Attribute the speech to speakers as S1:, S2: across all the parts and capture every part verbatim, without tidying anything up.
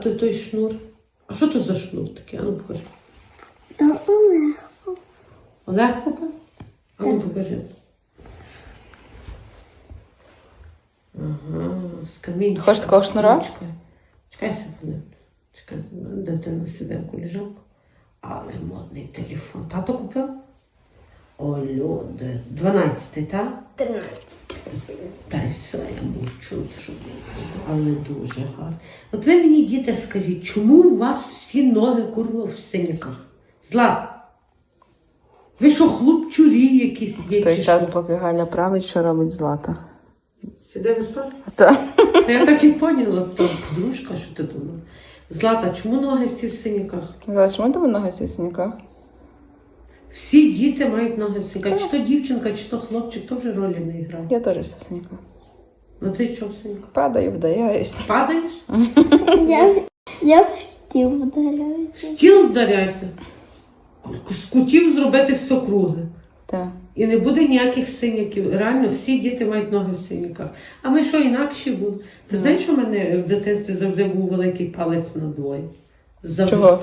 S1: Той, той шнур. А що то за шнур такий? А ну покажи.
S2: То Олег.
S1: Олег купив? А ну покажи. Ага, з камінчика.
S3: Хочеш такого шнура?
S1: Чекай, чекай себе. Чекай, дитина сидить в коліжанку. Але модний телефон. Тато купив? О, люди. дванадцятий, так?
S2: Тринадцять.
S1: Та й все, я мовчу, що але дуже гарно. От ви мені, діти, скажіть, чому у вас всі ноги, курва, в синяках? Злат, ви що, хлопчурі якісь є?
S3: В той
S1: чи
S3: час,
S1: що?
S3: поки Галя править, що робить Злата.
S1: Сиде ви спати?
S3: Та.
S1: Та я так і поняла, то подружка, що ти думала. Злата, чому ноги всі в синяках?
S3: Злата, чому тебе ноги в сніках?
S1: Всі діти мають ноги в синяках. Чи то дівчинка, чи то хлопчик, то вже ролі не грає.
S3: Я теж все в сніках.
S1: Ну ти що в синяках?
S3: Падаю, вдаюсь.
S1: Падаєш?
S2: Я, я в стіл вдаряюся.
S1: В стіл вдаряйся. З кутів зробити все кругле.
S3: Так.
S1: І не буде ніяких синяків. Реально, всі діти мають ноги в синяках. А ми що, інакші були? Ти знаєш, що в мене в дитинстві завжди був великий палець на двоє? Завжди.
S3: Чого?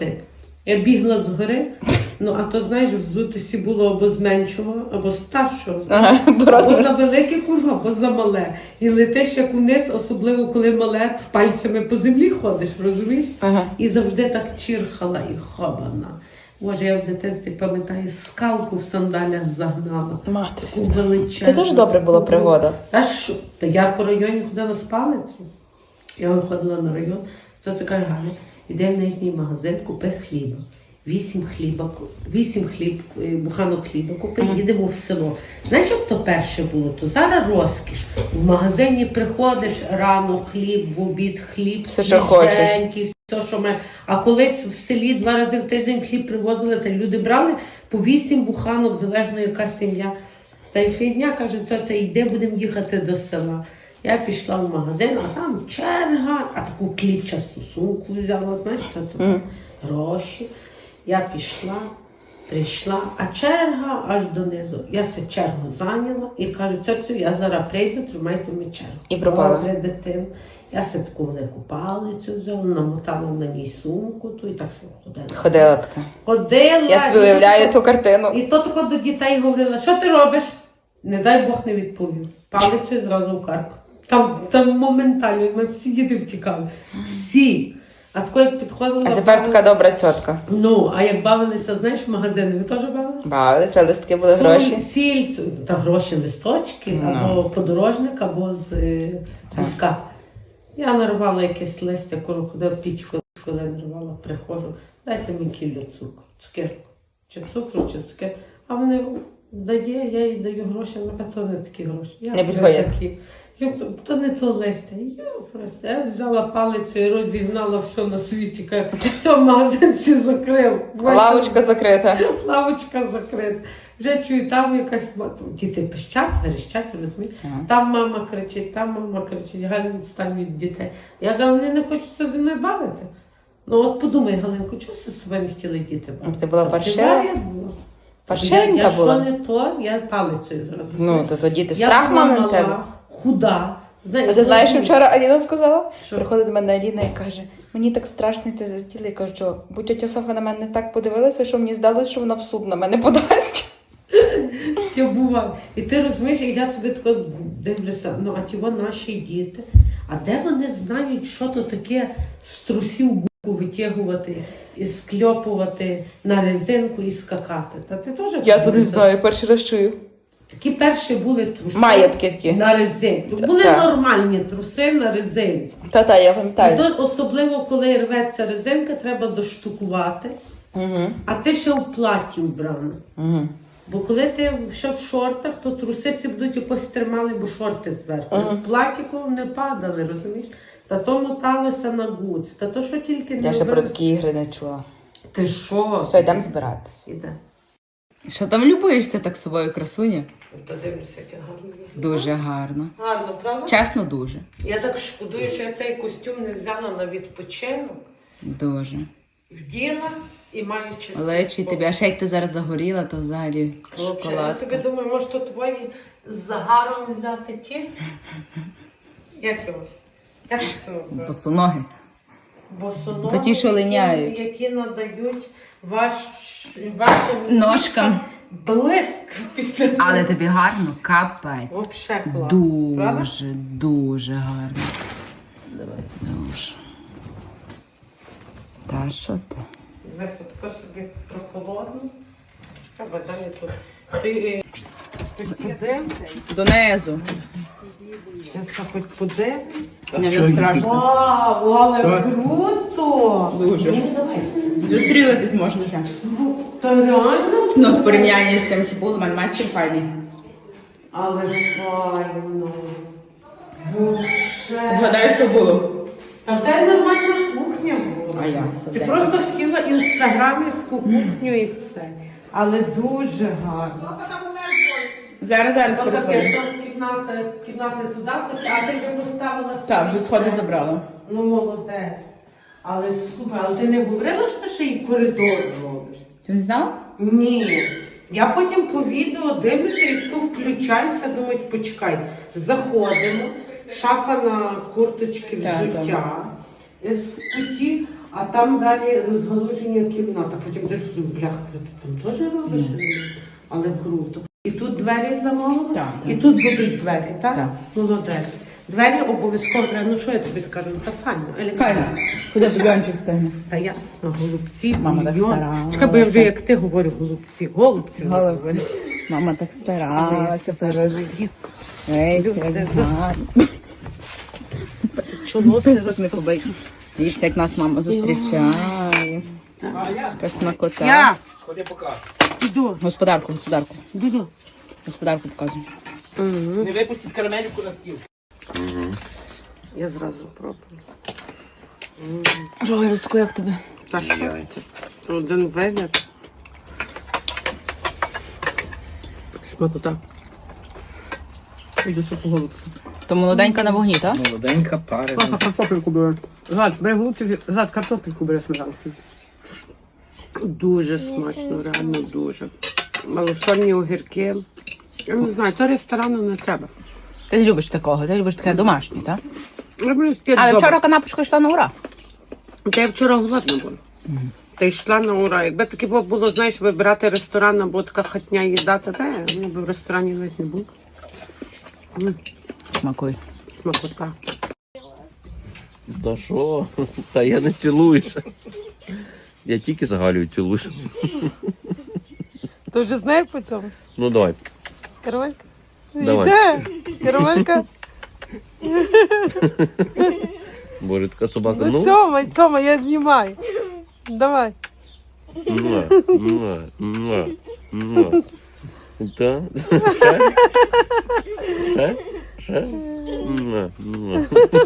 S1: Я бігла згори, ну а то, знаєш, взутості було або з меншого, або з старшого.
S3: Ага,
S1: Або
S3: просто.
S1: за велике курва, або за мале. І летиш як униз, особливо коли мале, то пальцями по землі ходиш, розумієш?
S3: Ага.
S1: І завжди так чирхала і хобана. Боже, я в дитинстві пам'ятаю, скалку в сандалях загнала.
S3: Мати
S1: Таку
S3: свята.
S1: величезну.
S3: Це теж добре була пригода.
S1: А що? Та я по районі ходила з палицю. Я виходила на район, це така Галя, іде в нижній магазин, купи хліба. Вісім хліба, вісім хліб, буханок хліба купи,
S3: Ага.
S1: їдемо в село. Знаєш, як то перше було? То зараз розкіш. В магазині приходиш рано, хліб, в обід хліб,
S3: Все, що хочеш.
S1: свіженький, все, що ми. А колись в селі два рази в тиждень хліб привозили, та люди брали по вісім буханок, залежно яка сім'я. Та й фігня каже, це, це йде, будемо їхати до села. Я пішла в магазин, а там черга, а таку клітчасту сумку взяла, знаєш, що це
S3: Mm.
S1: гроші. Я пішла, прийшла, а черга аж донизу. Я се чергу зайняла і кажу, цьоцю, я зараз прийду, тримайте мені чергу.
S3: І пропала.
S1: Добре, дитину. Я се таку велику палицю взяла, намотала на ній сумку, ту і так все ходила.
S3: Ходила така.
S1: Ходила.
S3: Я собі
S1: і
S3: уявляю
S1: то
S3: ту картину.
S1: І то тако до дітей говорила, що ти робиш? Не дай Бог не відповів. Палицю зразу в карку. Там, там моментально, ми всі діти втікали. Всі. А тако як підходила...
S3: А тепер така добра цьотка.
S1: Ну, а як бавилися, знаєш, в магазини, ви теж бавилися?
S3: Бавили, це листки були гроші.
S1: Сіль, та гроші, листочки,
S3: Ну.
S1: або подорожник, або з е, піска. Я нарвала якесь листя, коли ходила п'ять хвилин нарвала, приходжу, дайте мені кілю цукру, цукерку, чи цукру, чи цукерку. А вони дає, я їй даю гроші, вона каже, то не такі гроші. Я
S3: Не
S1: вже
S3: підходять.
S1: такі. Я, то, то не то листя. Я просто я взяла палицю і розігнала все на світі. Кажу, все, магазин всі закрив.
S3: Лавочка закрита.
S1: Лавочка закрита. Вже чую, там якась мама. Діти пищать, верещать, розумієш?
S3: Ага.
S1: Там мама кричить, там мама кричить, Галя, відстань від дітей. Я кажу, вони не хочуть зі мною бавити. Ну от подумай, Галинко, чого з собою не хотіли діти бавити?
S3: Ти була
S1: Та
S3: паршива?
S1: варіа була.
S3: Паршивенька
S1: я,
S3: була?
S1: Я що не то, я палицею зразу.
S3: Ну, то тоді ти
S1: я
S3: страх
S1: була
S3: мав на тебе.
S1: мала, худа. Знаєш,
S3: А ти знаєш, що вчора Аліна сказала?
S1: Що?
S3: Приходить до мене Аліна і каже, мені так страшно йти за стіл. Я кажу, що будь тетя Софа на мене так подивилася, що мені здалося, що вона в суд на мене подасть.
S1: Я буваю. І ти розумієш, і я собі тако дивлюся, ну а ті наші діти, а де вони знають, що то таке з трусів губку витягувати, і скльопувати на резинку і скакати? Та ти теж
S3: Я то не знаю, перший раз чую.
S1: Такі перші були труси
S3: Має такі такі.
S1: на резинку. Були
S3: Так.
S1: нормальні труси на резинку.
S3: Та-та, я
S1: І
S3: пам'ятаю.
S1: то особливо, коли рветься резинка, треба доштукувати,
S3: Угу.
S1: а ти ще в платі вбрана.
S3: Угу.
S1: Бо коли ти ще в шортах, то труси всі будуть якось тримали, бо шорти зверху.
S3: Ага.
S1: В платіку не падали, розумієш? Та то моталося на гуц, та то що тільки не
S3: Я ще про
S1: робили.
S3: такі ігри не чула.
S1: Ти що?
S3: Все, йдемо збиратись.
S1: Іде.
S3: Що там любуєшся так собою, красуня?
S1: Подивлюся, яке гарно.
S3: Дуже гарно.
S1: Гарно, правда?
S3: Чесно, дуже.
S1: Я так шкодую, що я цей костюм не взяла на відпочинок.
S3: Дуже.
S1: Вділа і маю чисто.
S3: Лечі тобі, а ще як ти зараз загоріла, то взагалі
S1: Я собі
S3: шоколадка.
S1: думаю, може то твої з загаром взяти ті? Як його? Як це називається?
S3: Босоноги.
S1: босоногі,
S3: Та ті, що линяють.
S1: які надають ваш, вашим
S3: Ножкам.
S1: блиск після того.
S3: Але тобі гарно, капець.
S1: Вообще класно, правда?
S3: Дуже, дуже гарно. Давай, дуже. Та що ти?
S1: Дивись, отако собі прохолодно. Чекай, бо далі тут. Ти е, хоч подив?
S3: Донизу.
S1: Я хоч подив?
S3: Не, не страшно.
S1: Вау, але круто!
S3: Дуже.
S1: Ні, давай.
S3: Зустрілитись можна ще.
S1: Та реально?
S3: Ну, в порівнянні з тим, що було, мене майстер файний.
S1: Але файно. Вообще.
S3: Згадай, що було.
S1: Та в тебе нормальна кухня була.
S3: А як це?
S1: Ти
S3: де?
S1: просто хотіла інстаграмівську кухню і все. Але дуже гарно.
S3: Зараз, зараз
S1: То таке,
S3: перетворю.
S1: то кімната, кімната туди, то- а ти вже поставила собі.
S3: Так, вже сходи
S1: це.
S3: забрала.
S1: Ну, молодець. Але супер. Але ти не говорила, що ти ще й коридор робиш?
S3: Ти не знав?
S1: Ні. Я потім по відео дивлюся і таку включаюся, думаю, почекай, заходимо, шафа на курточки
S3: Так,
S1: взуття, е, в куті, а там далі розгалуження кімната. Потім десь бляха, ти там теж робиш? Але круто. І тут двері замовили,
S3: Так,
S1: і
S3: так.
S1: тут будуть двері, так?
S3: Так.
S1: Молодець. Двері обов'язково треба. Ну що я тобі скажу? Ну, та файно,
S3: Файно.
S1: елегантно.
S3: Куди бульончик стигне?
S1: Та ясно, голубці,
S3: Мама так
S1: бульйон.
S3: старалася.
S1: Чекай, бо я вже як ти говорю, голубці, голубці.
S3: Голубці. Мама так старалася, пирожки. Весь, як гарно.
S1: Чоло
S3: Писок не побий. Дивіться, як нас мама зустрічає. Яка смакота.
S1: Я іду,
S3: Господарку, господарку.
S1: іду.
S3: Господарку показуй.
S4: Не випустіть карамельку на стіл.
S1: Я зразу пробую.
S3: Жолерську, як тобі?
S1: Та що? Один вигляд. Смакота. Іду по голубці.
S3: То молоденька на вогні, так?
S4: Молоденька пара.
S1: Картопельку бере. Зад, бери голубці, зад, картопельку бере сметанку. Дуже смачно, реально дуже. Малосольні огірки. Я не знаю, то ресторану не треба.
S3: Ти не любиш такого, ти любиш таке домашнє, так?
S1: Люблю таке
S3: Але
S1: добре.
S3: вчора канапочка йшла на ура.
S1: Та я вчора голодна була. Та йшла на ура. Якби таке було, знаєш, вибирати ресторан або така хатня їда, то де, ну, би в ресторані навіть не було. М,
S3: Смакуй.
S1: Смакота.
S5: Та що? Та я не цілуюся. Я тільки з Галею цілуюся.
S1: Ти вже знаєш по цьому?
S5: Ну давай.
S1: Карамелька?
S5: Давай.
S1: Йде. Карамелька.
S5: Боже, така собака.
S1: Ну,
S5: Ну,
S1: Тьома, Тьома, я знімаю. Давай.
S5: муа, муа, муа, муа. Та? Ще? Ще? Ще? Муа, муа.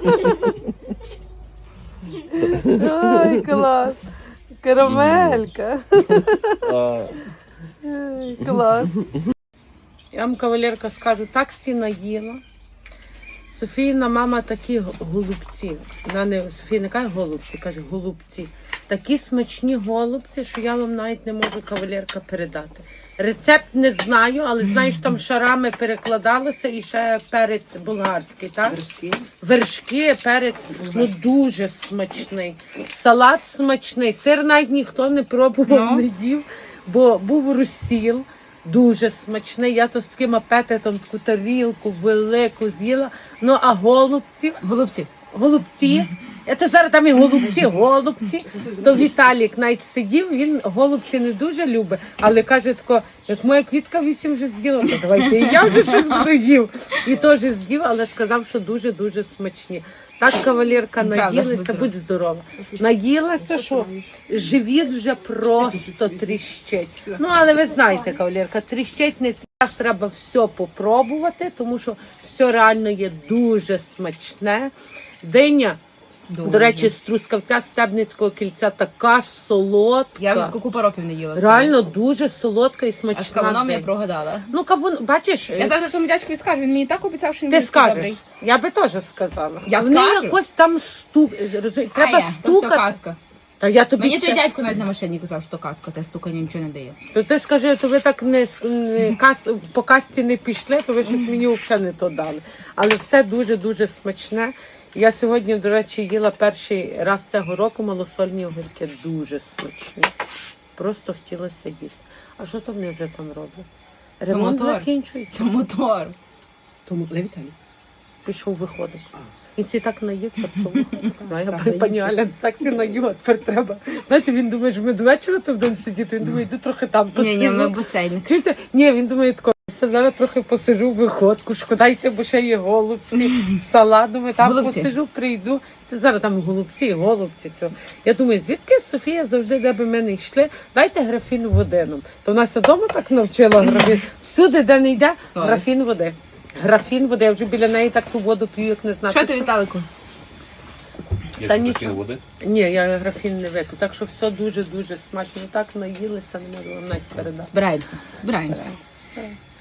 S1: Ай, клас. Карамелька.
S5: А,
S1: Ай, клас. Я вам, кавалерка, скажу, так всі наїла. Софійна мама такі г- голубці. Вона не Софія не каже голубці, каже голубці. Такі смачні голубці, що я вам навіть не можу, кавалерка, передати. Рецепт не знаю, але знаю, що там шарами перекладалося і ще перець болгарський, так? Вершки. Вершки, перець, ну дуже смачний. Салат смачний. Сир навіть ніхто не пробував, не їв, бо був розсіл. Дуже смачний. Я то з таким апетитом таку тарілку велику з'їла. Ну а голубці,
S3: Голубці.
S1: голубці. Я то зараз там і голубці, голубці. То Віталік навіть сидів, він голубці не дуже любить, але каже тако, як моя квітка вісім вже з'їла, то давайте і я вже щось буду їв. І теж з'їв, але сказав, що дуже-дуже смачні. Так, кавалерка, наїлася, будь здорова. Наїлася, що живіт вже просто тріщить. Ну, але ви знаєте, кавалерка, тріщить не так, треба все попробувати, тому що все реально є дуже смачне. Диня, до речі, з Трускавця Стебницького кільця така солодка.
S3: Я вже купу років не їла.
S1: Реально дуже солодка і смачна.
S3: А з кавуном я
S1: диня.
S3: прогадала.
S1: Ну, кавун, бачиш,
S3: Я завжди тому дядькові скажу, він мені так обіцяв, що він
S1: ти
S3: буде
S1: скажеш.
S3: добрий.
S1: Я би теж сказала.
S3: Я
S1: Вони
S3: скажу.
S1: якось там стук. розумі- Треба
S3: А я, то все
S1: стукати.
S3: казка.
S1: Та я тобі
S3: Мені
S1: ще-
S3: той дядько навіть на машині казав, що казка, те стукання нічого не дає.
S1: То ти скажи, то ви так не, с- не кас, по касті не пішли, то ви щось мені взагалі не то дали. Але все дуже-дуже смачне. Я сьогодні, до речі, їла перший раз цього року малосольні огірки. Дуже смачні. Просто хотілося їсти. А що там вони вже там роблять? Ремонт
S3: мотор.
S1: закінчується.
S3: Мотор.
S1: Тому Левіталій пішов виходить. Він всі так наїв, так пішов виходить. А я при пані Аля так всі наїв, а тепер треба. Знаєте, він думає, що ми до вечора тут будемо сидіти, він думає, йду трохи там посижу.
S3: Ні, ні, ми басейн.
S1: Чуєте? Ні, він думає, тако, все, зараз трохи посижу в виходку, шкодайся, бо ще є голубці, салат, думаю, там
S3: Голубці.
S1: посижу, прийду. Ти зараз там голубці, і голубці. Цього. Я думаю, звідки Софія завжди, де би ми не йшли, дайте графін води нам. То вона вдома так навчила графін. Всюди, де не йде,
S3: Ой.
S1: графін води. Графін води, я вже біля неї так ту воду п'ю, як не знати.
S3: Що ти, Віталику?
S1: Та нічого. Ні, я графін не вип'ю. Так що все дуже-дуже смачно. Так наїлися, не можу вам навіть передати.
S3: Збираємося. Збираємося.
S1: Так.